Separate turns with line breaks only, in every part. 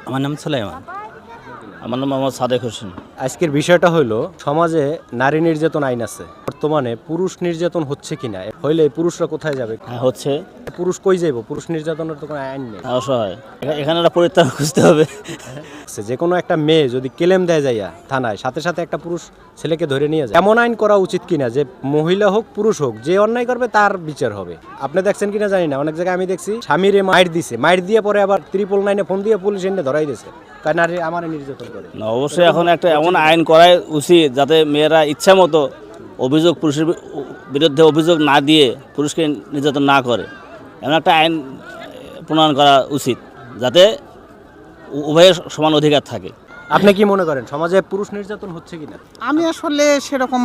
আমার নাম সুলাইমান। আমার নাম মোহাম্মদ সাদেক হোসেন।
আজকের বিষয়টা হলো সমাজে নারী নির্যাতন আইন আছে, বর্তমানে পুরুষ নির্যাতন হচ্ছে কিনা, হইলে পুরুষরা কোথায় যাবে,
হ্যাঁ, হচ্ছে।
পুরুষ কই যাইব, পুরুষ নির্যাতনের তো কোনো আইন নেই।
অসহায়, এখানে একটা পরিত্রাণ খুঁজতে হবে।
যে কোনো একটা মেয়ে যদি কেলেম দেয় যাইয়া থানায়, সাথে সাথে একটা পুরুষ ছেলেকে ধরে নিয়ে যায়, এমন আইন করা উচিত কিনা যে মহিলা হোক পুরুষ হোক যে অন্যায় করবে তার বিচার হবে। আপনি দেখছেন কিনা জানি না, অনেক জায়গায় আমি দেখছি স্বামীরে মাইর দিছে, মাইর দিয়ে পরে আবার 999 ফোন দিয়ে পুলিশ এনে ধরাই দিয়েছে, কারণ নারী আমার নির্যাতন করে।
না, অবশ্যই এখন একটা এমন আইন করাই উচিত যাতে মেয়েরা ইচ্ছা মতো অভিযোগ, পুরুষের বিরুদ্ধে অভিযোগ না দিয়ে পুরুষকে নির্যাতন না করে, এমন একটা আইন প্রণয়ন করা উচিত যাতে উভয়ের সমান অধিকার থাকে।
আপনি কি মনে করেন সমাজে পুরুষ নির্যাতন হচ্ছে কিনা?
আমি আসলে সেরকম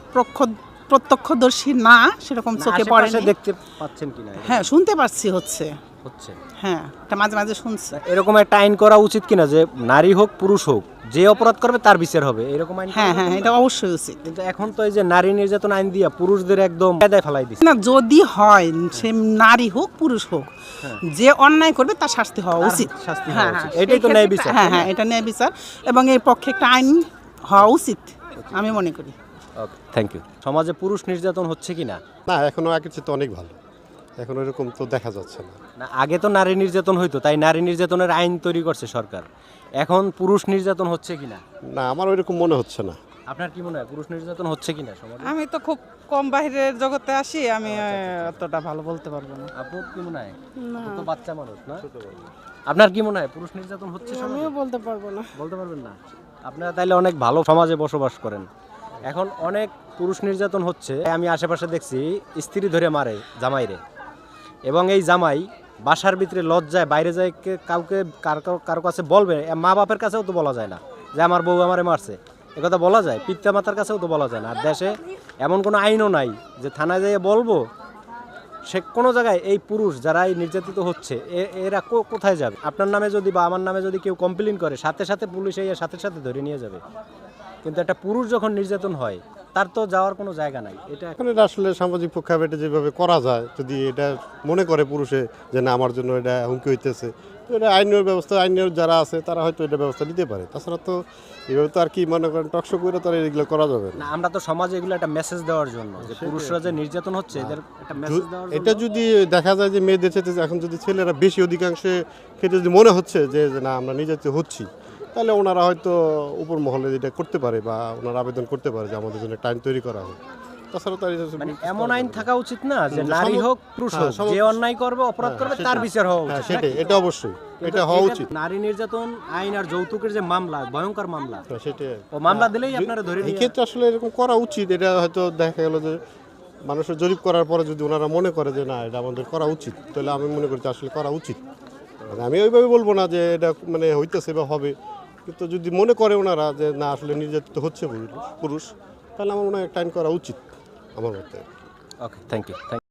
প্রত্যক্ষদর্শী না, সেরকম চোখে পড়ে না।
দেখতে পাচ্ছেন কিনা?
হ্যাঁ, শুনতে পাচ্ছি হচ্ছে। হ্যাঁ, এটা মাঝে মাঝে শুনছি।
এরকম একটা আইন করা উচিত কিনা যে নারী হোক পুরুষ হোক যে অপরাধ করবে তার বিচার হবে, এরকম আইন?
হ্যাঁ হ্যাঁ, এটা অবশ্যই উচিত।
কিন্তু এখন তো এই যে নারী নির্যাতন আইন দিয়া পুরুষদের একদম কায়দায় ফেলাই দিচ্ছে।
না, যদি হয় সে নারী হোক পুরুষ হোক, যে অন্যায় করবে তার শাস্তি হওয়া উচিত।
শাস্তি
হ্যাঁ
হওয়া
হ্যাঁ,
উচিত। এটাই তো ন্যায় বিচার।
হ্যাঁ হ্যাঁ, এটা ন্যায় বিচার এবং এর পক্ষে একটা আইন হওয়া উচিত আমি মনে করি।
Okay, thank you. সমাজে পুরুষ নির্যাতন হচ্ছে কিনা?
না, এখনো আগের চেয়ে তো অনেক ভালো, এখন এরকম তো দেখা যাচ্ছে না।
না, আগে তো নারী নির্যাতন হইতো, তাই নারী নির্যাতনের আইন তৈরি করছে সরকার। এখন পুরুষ নির্যাতন হচ্ছে কিনা?
না, আমার ওইরকম মনে হচ্ছে না।
আপনার কি মনে হয় পুরুষ নির্যাতন হচ্ছে কিনা সমাজে?
আমি তো খুব কম বাইরের জগতে আসি, আমি অতটা ভালো বলতে পারবো না।
আপনার কি মনে হয়? তো বাচ্চা মানুষ না? আপনার কি মনে হয় পুরুষ নির্যাতন হচ্ছে সমাজে?
আমিও বলতে পারবো না।
বলতে পারবেন না? আপনারা তাইলে অনেক ভালো সমাজে বসবাস করেন। এখন অনেক পুরুষ নির্যাতন হচ্ছে, আমি আশেপাশে দেখছি স্ত্রী ধরে মারে জামাইরে, এবং এই জামাই বাসার ভিতরে লজ্জায় বাইরে যায় কাউকে কারো কাছে বলবে, মা বাপের কাছেও তো বলা যায় না যে আমার বউ আমারে মারছে, একথা বলা যায়, পিতা মাতার কাছেও তো বলা যায় না। আর দেশে এমন কোনো আইনও নাই যে থানায় যেয়ে বলবো। সে কোনো জায়গায় এই পুরুষ যারা এই নির্যাতিত হচ্ছে এরা কোথায় যাবে? আপনার নামে যদি বা আমার নামে যদি কেউ কমপ্লেন করে, সাথে সাথে পুলিশ এই সাথে সাথে ধরে নিয়ে যাবে। কিন্তু একটা পুরুষ যখন নির্যাতন হয় তার তো যাওয়ার কোনো জায়গা নাই। এটা
এখন এটা আসলে সামাজিক প্রেক্ষাপটে যেভাবে করা যায়, যদি এটা মনে করে পুরুষে যে না আমার জন্য এটা হুমকি হইতেছে, তো এটা আইনের ব্যবস্থা, আইনের যারা আছে তারা হয়তো এটা ব্যবস্থা নিতে পারে। তাছাড়া তো এভাবে তো আর কি মনে করেন টকশো করে তো আর এগুলো করা যাবে না।
না, আমরা তো সমাজে এগুলো একটা মেসেজ দেওয়ার জন্য যে পুরুষরা যে নির্যাতন হচ্ছে এদের একটা মেসেজ দেওয়ার জন্য।
এটা যদি দেখা যায় যে মেয়েদের ক্ষেত্রে এখন যদি ছেলেরা বেশি অধিকাংশে ক্ষেত্রে যদি মনে হচ্ছে যে না আমরা নির্যাতিত হচ্ছি, তাহলে ওনারা হয়তো উপর মহলে এটা করতে পারে বা ওনারা আবেদন করতে পারে যে আমাদের জন্য একটা আইন তৈরি করা হোক। তাছাড়া তো
মানে এমন আইন থাকা উচিত না যে নারী হোক পুরুষ হোক যে অন্যায় করবে অপরাধ করবে তার বিচার হওয়া উচিত।
সেটাই, এটা অবশ্যই এটা হওয়া উচিত।
নারী নির্যাতন আইন আর যৌতুকের যে মামলা, ভয়ঙ্কর মামলা,
সেটাই
ও মামলা দিলেই আপনারা ধরে
এই
নিয়ে।
ক্ষেত্রে আসলে এরকম করা উচিত। এটা হয়তো দেখা গেল যে মানুষের জরিপ করার পরে যদি ওনারা মনে করে যে না এটা আমাদের করা উচিত, তাহলে আমি মনে করি যে আসলে করা উচিত। মানে আমি ওইভাবে বলবো না যে এটা মানে হইতেছে বা হবে, কিন্তু যদি মনে করে ওনারা যে না আসলে নির্যাতিত হচ্ছে পুরুষ, তাহলে আমার মনে হয় একটা আইন করা উচিত আমার মতে।
Okay, thank you.